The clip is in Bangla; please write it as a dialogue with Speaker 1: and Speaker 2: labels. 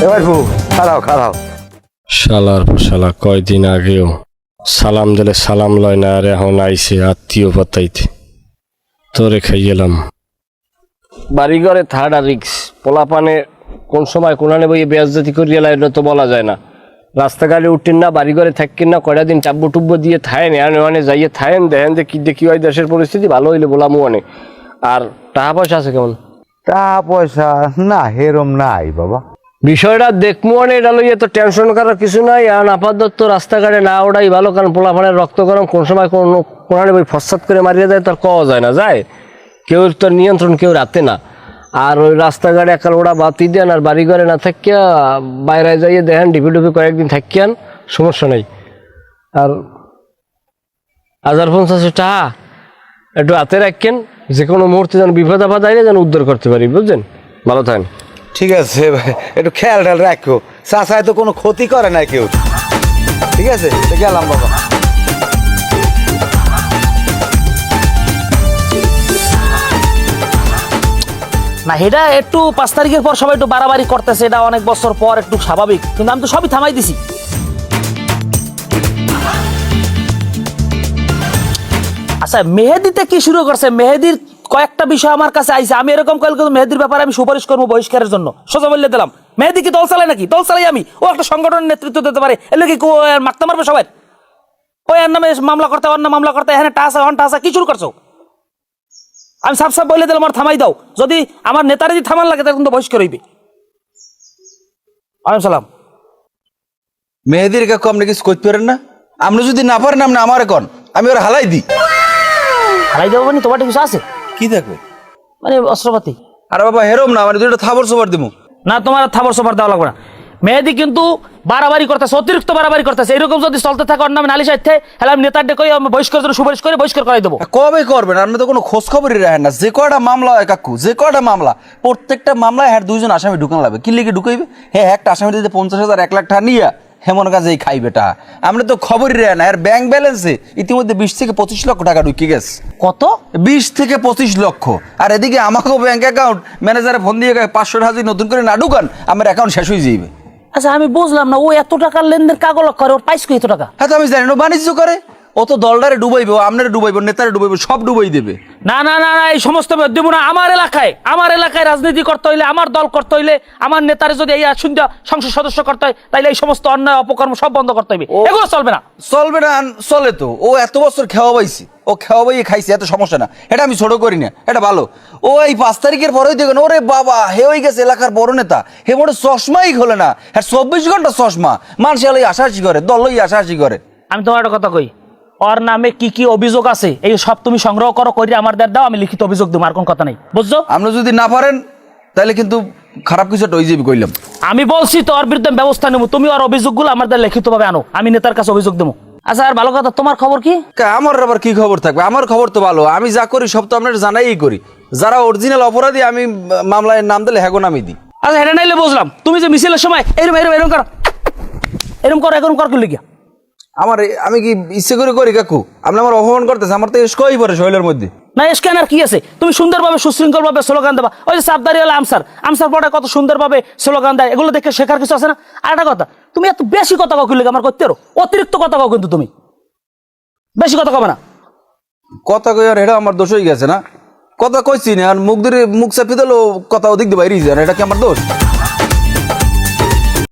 Speaker 1: এবার খারাও খারাও
Speaker 2: শালার শালা কয়দিন আগেও সালাম দিলে সালাম লয় না, আর এখন আইসে আত্মীয় পাতাইতে। তোরে খাই গেলাম বাড়িঘরে থার্ড রিক্স। পোলাপানে কোন সময় কোনানে বইয়ে বেয়াজ্জাতি করিয়া লাইলে তো বলা যায় না। রাস্তাঘাটে উঠতেন না, বাড়িঘরে থাকেন না, কয়টা দিন টাব্বু টুব্বু দিয়ে থায়েন, এনে যাইয়ে থায়েন, দেখেন যে কি দেখি হয় দেশের পরিস্থিতি ভালো হইলে বলামু অনেক। আর টাকা পয়সা আছে কেমন?
Speaker 1: টাকা পয়সা না হেরম নাই বাবা।
Speaker 2: বিষয়টা দেখবো অনেক, এটা লইয়ে তো টেনশন করার কিছু নাই। আর আপাতত রাস্তাঘাটে না ওটাই ভালো, কারণ পোলাপানের রক্ত গরম কোন সময় কোনানে বই ফসাদ করে মারিয়ে যায় তার কওয়া যায় না, যায় কেউ তোর নিয়ন্ত্রণ কেউ রাতে না। আর ওই রাস্তাঘাটে একাল ওরা বাতি দেন, আর বাড়ি ঘরে না থাকিয়া বাইরে যাইয়ে দেখেন ডিপি ডুপি কয়েকদিন থাকিয়ান, সমস্যা নেই। আর 1050 টাকা একটু হাতে রাখেন, যে কোনো মুহূর্তে যেন বিপদ আপদ আইলে যেন উদ্ধার করতে পারি, বুঝছেন? ভালো থাকেন।
Speaker 1: ঠিক আছে ভাই, একটু খেয়াল টেয়াল রাখো, চাচায় তো কোনো ক্ষতি করে না কেউ। ঠিক আছে, গেলাম বাবা।
Speaker 3: না এটা একটু 5 তারিখের পর সবাই একটু বাড়াবাড়ি করতেছে, এটা অনেক বছর পর একটু স্বাভাবিক, কিন্তু আমি তো সবই থামাই দিছি। আচ্ছা মেহেদিতে কি শুরু করছে? মেহেদির কয়েকটা বিষয় আমার কাছে আইছে, আমি এরকম কয়েক মেহেদির ব্যাপারে আমি সুপারিশ করবো বহিষ্কারের জন্য, সোজা বললে দিলাম। মেহেদি কি দল চালায় নাকি? দল চালাই আমি, ও একটা সংগঠনের নেতৃত্ব দিতে পারে, এলে কি মারতে মারবে সবাই? ওই এর নামে মামলা করতে, অন্য মামলা করতে, এখানে টাসা অন টাসা কি শুরু করছো? আমি সাফ সাফ বলে দিলাম আমার থামাই দাও, যদি আমার নেতারা যদি থামান লাগে তখন তো বহিষ্কার হইবে। সালাম।
Speaker 1: মেহেদির কাকু আপনি কিছু করতে পারেন না? আপনি যদি না পারেন আপনি আমার কন, আমি ওর হালাই দিই।
Speaker 3: হারাই দেবো মানে তোমার কিছু আছে
Speaker 1: কি থাকবে
Speaker 3: মানে অস্ত্রপাতি?
Speaker 1: আরে বাবা হেরম না, মানে দুটো থাবর সবার দিব
Speaker 3: না, তোমার থাবর সবার দেওয়া লাগবে না। মেহেদি কিন্তু বাড়াবাড়ি করতেছে, অতিরিক্ত বাড়াবাড়ি করতেছে। এরকম যদি চলতে থাকে অন্য নাম নালিশ আইতে হলে আমি নেতার ডেকে বহিষ্কার জন্য সুপারিশ করে বহিষ্কার করাই দেবো।
Speaker 1: কবে করবেন? আপনি তো কোনো খোঁজ খবরই রাখেন না। যে কয়টা মামলা হয় কাকু, যে কয়টা মামলা, প্রত্যেকটা মামলায় হ্যাঁ 2জন আসামি ঢুকানো লাগবে। কি লিখে ঢুকাইবে? হ্যাঁ একটা আসামি দিতে 50,000 1 লাখ টাকা নিয়ে হেমন কাজেই খাইবে টা। আমরা তো খবরই রাখেন না। আর ব্যাংক ব্যালেন্সে ইতিমধ্যে 20 থেকে 25 লক্ষ টাকা ঢুকে গেছে।
Speaker 3: কত?
Speaker 1: 20 থেকে 25 লক্ষ। আর এদিকে আমাকেও ব্যাংক অ্যাকাউন্ট ম্যানেজারে ফোন দিয়ে 500 টাকা যদি নতুন করে না ঢুকান আমার অ্যাকাউন্ট শেষ হয়ে যাইবে।
Speaker 3: আচ্ছা আমি বুঝলাম না, ও এত টাকার লেনদেন কাগজ করে, ওর পাইস এত টাকা?
Speaker 1: হ্যাঁ তো আমি জানি না, বাণিজ্য করে। ও তো দলটারে ডুবাইবে, আপনারে ডুবাইব, নেতারে ডুবাইব, সব ডুবাই দেবে।
Speaker 3: না না না না, এই সমস্ত দেবো না। আমার এলাকায় রাজনীতি করতে হইলে, আমার দল করতে হইলে, আমার নেতারে যদি এই সংসদ সদস্য করতে হয়, তাইলে এই সমস্ত অন্যায় অপকর্ম সব বন্ধ করতে হবে। এগুলো চলবে না।
Speaker 1: চলবে না? চলে তো। ও এত বছর খেওয়া পাইছি, ও খেওয়া পাইয়ে খাইছে, এত সমস্যা না। এটা আমি ছোট করি না, এটা ভালো। ও এই 5 তারিখের পরেই দেখেন, ওরে বাবা হে হয়ে গেছে এলাকার বড় নেতা। হে বড় চশমাই খোলে না, হ্যাঁ 24 ঘন্টা চশমা। মানুষ লই আশাহাসি করে, দল লই আশাহাসি করে।
Speaker 3: আমি তোমার একটা কথা কই, ওর নামে কি কি অভিযোগ আছে এই সব তুমি সংগ্রহ করো, করে আমার দাও, আমি লিখিত অভিযোগ দেবো, আর কোন কথা নেই, বুঝছো?
Speaker 1: আপনি যদি না পারেন তাহলে কিন্তু খারাপ কিছু একটা হয়ে যাবে কইলাম।
Speaker 3: আমি বলছি তো ওর বিরুদ্ধে ব্যবস্থা নেবো, তুমি ওর অভিযোগগুলো আমার লিখিত ভাবে আনো, আমি নেতার কাছে অভিযোগ দেবো। আচ্ছা আর ভালো কথা, তোমার খবর কি?
Speaker 1: আমার আবার কি খবর থাকবে? আমার খবর তো ভালো। আমি যা করি সব তো আপনার জানাই করি। যারা অরিজিনাল অপরাধী আমি মামলায় নাম দিলে হ্যাগো নামই দিই।
Speaker 3: আচ্ছা এটা নাইলে বুঝলাম, তুমি যে মিছিলের সময় এরম এরম এরম করো, এরম কর কি লিখিয়া?
Speaker 1: আমি কি ইচ্ছে করে করি কাকু? আপনি আমার অপমান করতেছে, আমার তো এসকই পড়ে শৈলের মধ্যে।
Speaker 3: না স্ক্যানার কি আছে? তুমি সুন্দরভাবে সুশৃঙ্খল ভাবে স্লোগান দেবা। ওই যে সাবদারি হলে আমসার পরে কত সুন্দরভাবে স্লোগান দেয়, এগুলো দেখে শেখার কিছু আছে না? আর একটা কথা, তুমি এত বেশি কথা কাউ লিখে আমার করতে পারো, অতিরিক্ত কথা কাউ, কিন্তু তুমি বেশি কথা কবে না।
Speaker 1: কথা কই আর এটা আমার দোষ হয়ে গেছে না? কথা কইছি না, আর মুখ ধরে মুখ চাপি দিল কথা ওদিক দিয়ে বাইরে যায়, এটা কি আমার দোষ?